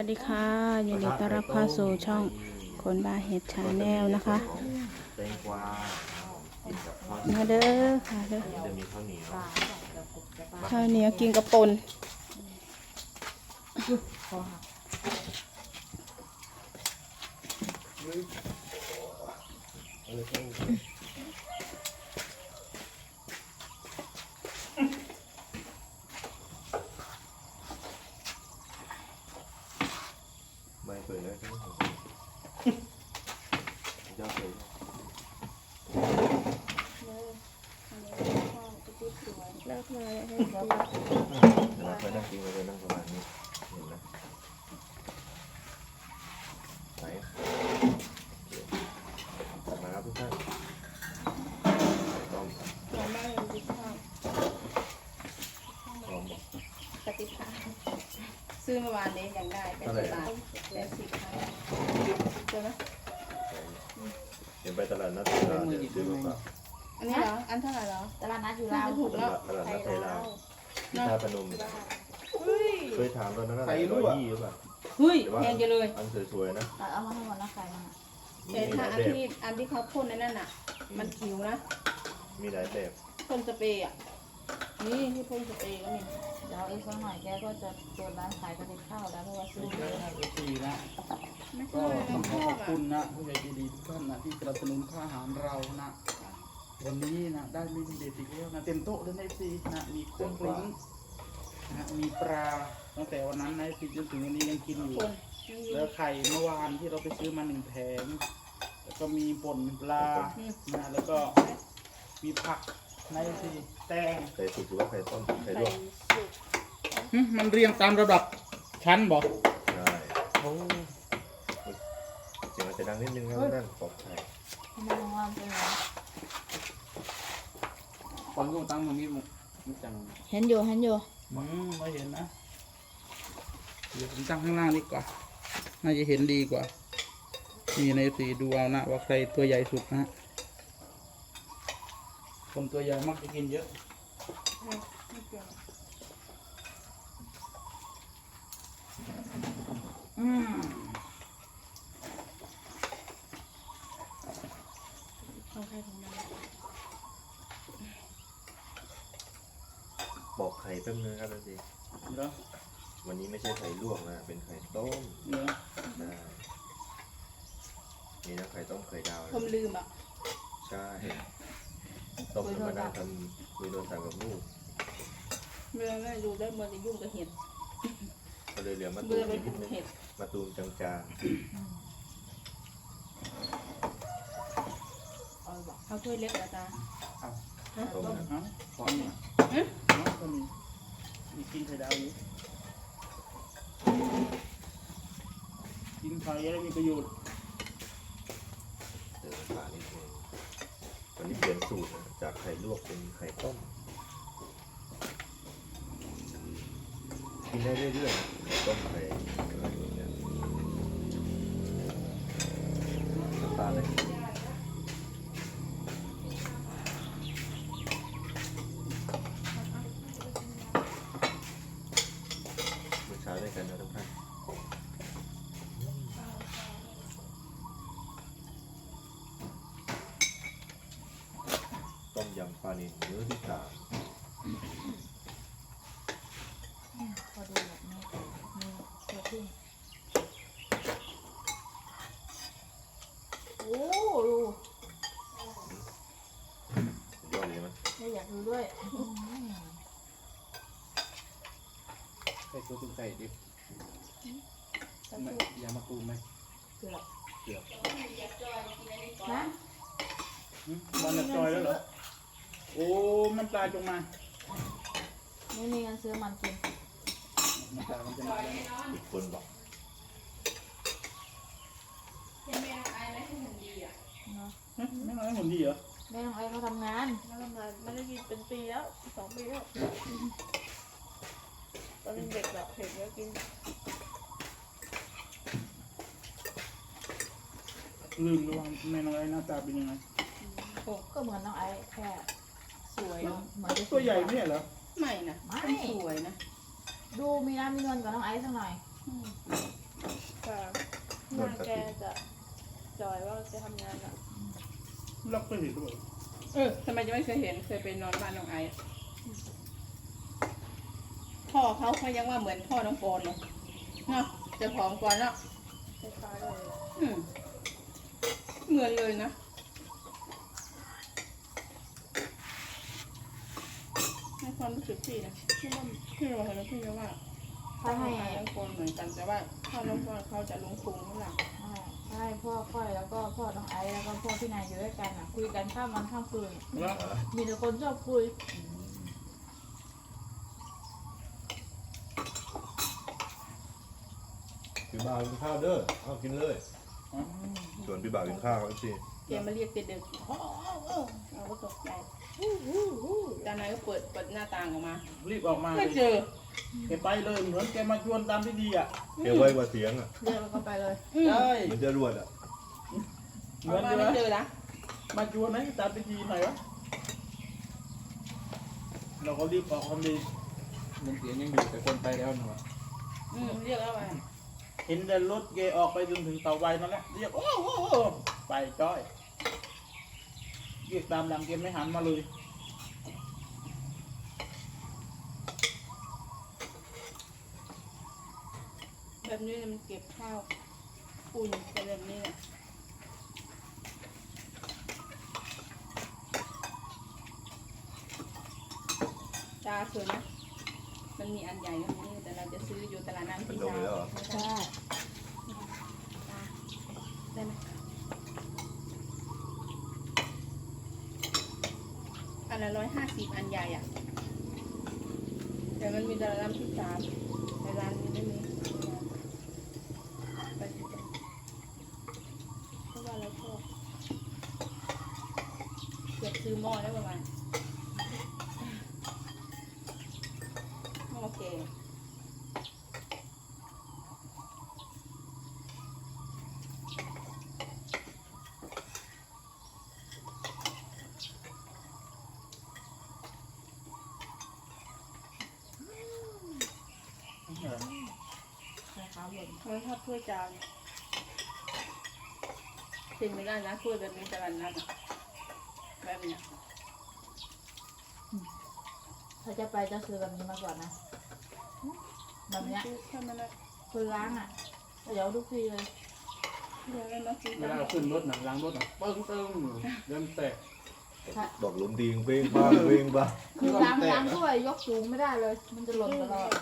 วัสดีค่ะยินดีต้อนรับเข้าสู่ช่องคนบ้าเห็ดชาแนลนะคะแตงกวากินกับข้าวมาเด้อค่ะเด้อจะมีข้าวเหนียวข้าวเหนียวกินกระปนไม่เปิดแล้วใช่ไหมเจ้าเปิดเลิกเลยเราเคยนั่งกินเราเคยนั่งประมาณนี้เห็นไหมไหนมาครับทุกท่านต้มหอมมากเลยดิข้าวหอมบอกปฏิภาณซื้อเมื่อวานนี้ยังได้80 บาท80 ค่ะเจอไหมเห็นไปตลาดนัดเราเดี๋ยวซื้อมาฝากอันนี้เหรออันเท่าไหร่เหรอตลาดนัดอยู่น่าลาวจะถูกแล้วตลาดนัดไทยลาวที่ท่าพนมเฮ้ยเคยถามตอนนั้นอะไร120หรือเปล่าเฮ้ยแพงจังเลยอันสวยๆนะเอามาให้หมดนะใครมาแต่ถ้าอันที่เขาพ่นในนั่นน่ะ มันผิวนะมีหลายแบบพ่นสเปรย์อ่ะนี่ที่พ่นสเปรย์ก็มีเดี๋ยวอีกสักหน่อยแกก็จะเปิดร้านขายกระติบข้าวแล้วเพราะว่าซื้อเยอะดีนะไม่ก็ใช่ต้องขชออขอบบ อ่ะคุณนะผู้ใหญ่ใจดีทุกท่านนะที่สนับสนุนค่าอาหารเรานะวันนี้นะได้เมนูเด็ดอีกแล้วนะเต็มโต๊ะเลยนะซีนะมีกุ้งกลิ้งนะมีปลาตั้งแต่วันนั้นนะซีจนถึงวันนี้ยังกินอยู่คนแล้วไข่เมื่อวานที่เราไปซื้อมา1 แผงแล้วก็มีป่นปลานะแล้วก็มีผักในซีแตงไข่สุกหรือว่าไข่ต้มไข่ลวกมันเรียงตามระดับชั้นบอกใช่โอ้เสียงมันจะดังนิดนึงนะด้านปอกไข่ไม่รู้ว่าเป็นไงก่อนก็ตั้งตรงนี้มุกจังเห็นอยู่ไม่เห็นนะ เดี๋ยวผมตั้งข้างล่างดีกว่า น่าจะเห็นดีกว่า นี่ในสีดูเอานะว่าใครตัวใหญ่สุดนะฮะคนตัวใหญ่มักจะกินเยอะ อืมของใครของมันปอกไข่แป๊บนึงครับท่านสิเนาะวันนี้ไม่ใช่ไข่ลวกนะ เป็นไข่ต้มเนาะได้มีทั้งไข่ต้มไข่ดาวผมลืมอ่ะใช่ต้มธรรมดาทำคุยโดนสั่งกับลูกเมื่อไม่ดูได้เมื่อจะยุ่งกับเห็ดก็เลยเหลือมาตูเมื่อมไปนิปลูดกนึงเห็ดมาตูมจางเอาถ้วยเล็กนะจ๊ะๆต้มนะเอาขอหน่อยเอาก็มีกินไข่ดาวอยู่กินไข่แล้วมีประโยชน์เติมฝานิดนึงวันนี้เปลี่ยนสูตรนะจากไข่ลวกเป็นไข่ต้ม กินได้เรื่อยๆไข่ต้มไข่อะไรอย่างเงี้ยน้ำตาลเลยมื้อเช้าด้วยกันนะทุกท่านต้มยำปลานิลมื้อที่ 3 พอดูแบบนี้มีตัวที่โอ้ดูสุดยอดเลยมั้ยไม่อยากดูด้วยไข่ตัวตุ้งไก่ดิบไม่ยามาตูมไหมเกือบเกือบนะมันจะจอยแล้วเหรอ โอ้ มันปลาจงมาไม่มีเงินซื้อมันกินมันปลามันจะมาแล้วอีกคนบอกยังไม่อายไหมที่หุ่นดีอ่ะเนาะไม่มาให้หุ่นดีเหรอแม่น้องไอ้เขาทำงานแล้วทำงานไม่ได้กินเป็นปีแล้ว2 ปีแล้วตอนเป็นเด็กแบบเผ็ดเยอะกินลืมดูว่าแม่น้อยหน้าตาเป็นยังไงก็เหมือนน้องไอ้แค่สวยเหมือนจะตัวใหญ่ไม่ใช่เหรอไม่นะไม่เป็นสวยนะดูมีน้ำมีนวลกว่าน้องไอ้สักหน่อยอืมจอยว่าจะทำงานอ่ะเราเคยเห็นด้วยทำไมจะไม่เคยเห็นเคยไปนอนบ้านน้องไอซ์พ่อเขายังว่าเหมือนพ่อน้องโกนเลยเนาะจะผอมกว่าเนาะคล้ายๆเลยเหมือนเลยนะในความรู้สึกพี่นะพี่เราเห็นพี่ว่าถ้าให้น้องโกนเหมือนกันแต่ว่าพ่อน้องโกนเขาจะลงพุงข้างหลังถ้าให้พ่อค่อยแล้วก็พ่อน้องไอซ์แล้วก็พ่อพี่นายอยู่ด้วยกันอ่ะคุยกันข้ามวันข้ามคืนแล้วมีแต่คนชอบคุยพี่บ่าวกินข้าวเด้อเอากินเลยชวนพี่บ่าวกินข้าวครับสิแกมาเรียกเด็กๆเราก็ตกใจจานนายก็เปิดหน้าต่างออกมารีบออกมาเลไม่ยเจอแกไปเลยเหมือนแกมาชวนตามพิธีอ่ะเก็บไว้กว่าเสียงอ่ะเรียกแล้วก็ไปเลยใช่มันจะรวดอ่ะเหอมืออก นมาใช่ไหมไม่เจอนะมาชวนให้ตามพิธีหน่อยวะเราก็รีบออกความดียังเสียงยังอยู่แต่คนไปแล้วนะวะเรียกแล้วไปเห็นแต่รถแกออกไปจนถึงเสาไฟนั่นแหละเรียกโอ้โหไปจ้อยเรียกตามหลังแกไม่หันมาเลยแบบนี้มันเก็บข้าวอุ่นเป็นแบบนี้เนี่ยตาสวยนะมันมีอันใหญ่ตรงนี้แต่เราจะซื้ออยู่ตลาดน้ำมันที่ลงไปแล้วเหรอใช่ได้ไหมอันละ150อันใหญ่อ่ะแต่มันมีตลาดน้ำที่3ในร้านนี้ไม่มีไปดูกันเพราะว่าเราชอบเกือบซื้อหม้อได้ประมาณหม้อแกงนะครับผมมันชอบถ้วยจานกินไม่ได้นะถ้วยแบบนี้ตลาดนัดอะแบบเนี้ยถ้าจะไปจะซื้อแบบนี้มาก่อนนะแบบเนี้ยถ้ามันนะคือล้างอ่ะเดี๋ยวทุกทีเลยเดี๋ยวเรามาซื้อเวลาเราขึ้นรถหนังล้างรถหนังปึ้งเริ่มแตกบอกหลุมดีงเป้งบ้างเป้งบ้างคือล้างถ้วยยกสูงไม่ได้เลย มันจะหล่นตลอด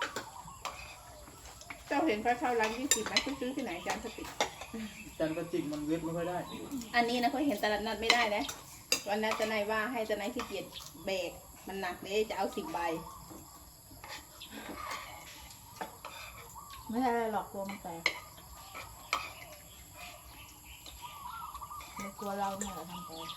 เจ้าเห็นไฟเข้าร้าน20ไหมซื้อที่ไหนจานสติกจันกระจิกมันเวทไม่ค่อยได้อันนี้นะเขาเห็นตลาดนัดไม่ได้นะวันนั้นจะนายว่าให้จะนายขี้เกียจแบกมันหนักเลยจะเอา10 ใบไม่ใช่อะไรหรอกตัวมันแตกในตัวเราเนี่ยแหละทำแตก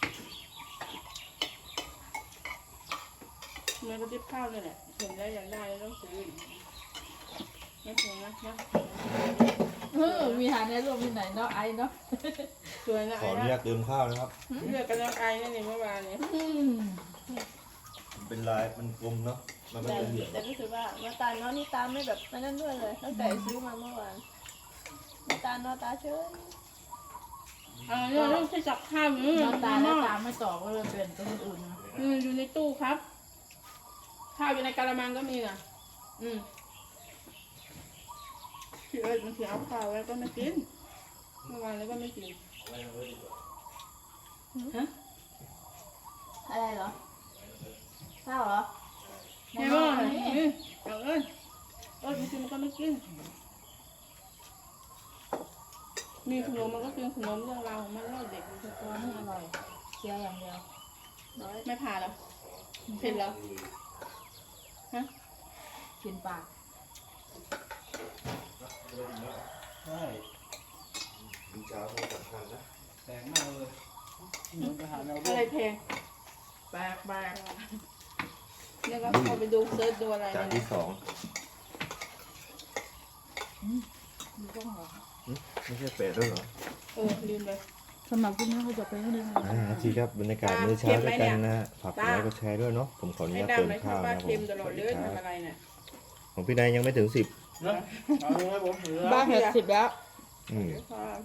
มันก็ติบข้าวนี่แหละเห็นแล้วอยากได้แล้วต้องซื้อไม่แพงนะมีหาในรูปที่ไหนเนาะไอเนาะสวยนะขออนุญาตเติมข้าวนะครับเลือกกันน้องไอนั่นเองเมื่อวานนี้มันเป็นลายมันกลมเนาะมันไม่แต่เป็นเหลี่ยมแต่รู้สึกว่าน้ำตาลเนาะนี่ตาไม่แบบนั่นด้วยเลยตั้งแต่ซื้อมาเมื่อวานน้ำตาลเนาะตาเฉยเนี่ยต้องใช้จับข้าวอยู่หน้าตาแล้วตาไม่ตอบก็เลยเปลี่ยนเป็นคนอื่นนะอยู่ในตู้ครับ ข้าวอยู่ในกะละมังก็มีนะพี่เอิร์ธมันคือเอาข้าวไว้ก็ไม่กินเมื่อวานแล้วก็ไม่กินฮะอะไรเหรอข้าวเหรอในหม้อนี่เอาเอิร์ธมันกินมันก็ไม่กินมีขนมมันก็กินขนมเรื่องราวของมันเล่าเด็กตัวนี้อร่อยเคี้ยวอย่างเดียวไม่ผ่าแล้วเผ็ดแล้วฮะกินปากใช่ดูเช้าเขาสำคัญนะแตกมากเลยเหมือนไปหาแนวอะไรแพงแปลกแปลกแล้วก็เอาไปดูเซิร์ชดูอะไรจานเนี่ที่ย 2 มีต้องเหรอไม่ใช่เป็ดด้วยเหรอลืมเลยสำหรับคุณแม่เขาจะไปให้ดูทีครับบรรยากาศมื้อเช้าด้วยกันนะฮะฝากกดไลค์กดแชร์ด้วยเนาะผมขออนุไอ้ญาตดำเติมไม่ชอข้าบวบ้านะผมเค็มตลอดสเลวัสยดีคทำรับอะไรเนี่ยของพี่นายยังไม่ถึง10 เนาะเอาเลยครับผมเหลือบ้าเห็ด10แล้วอืมครับ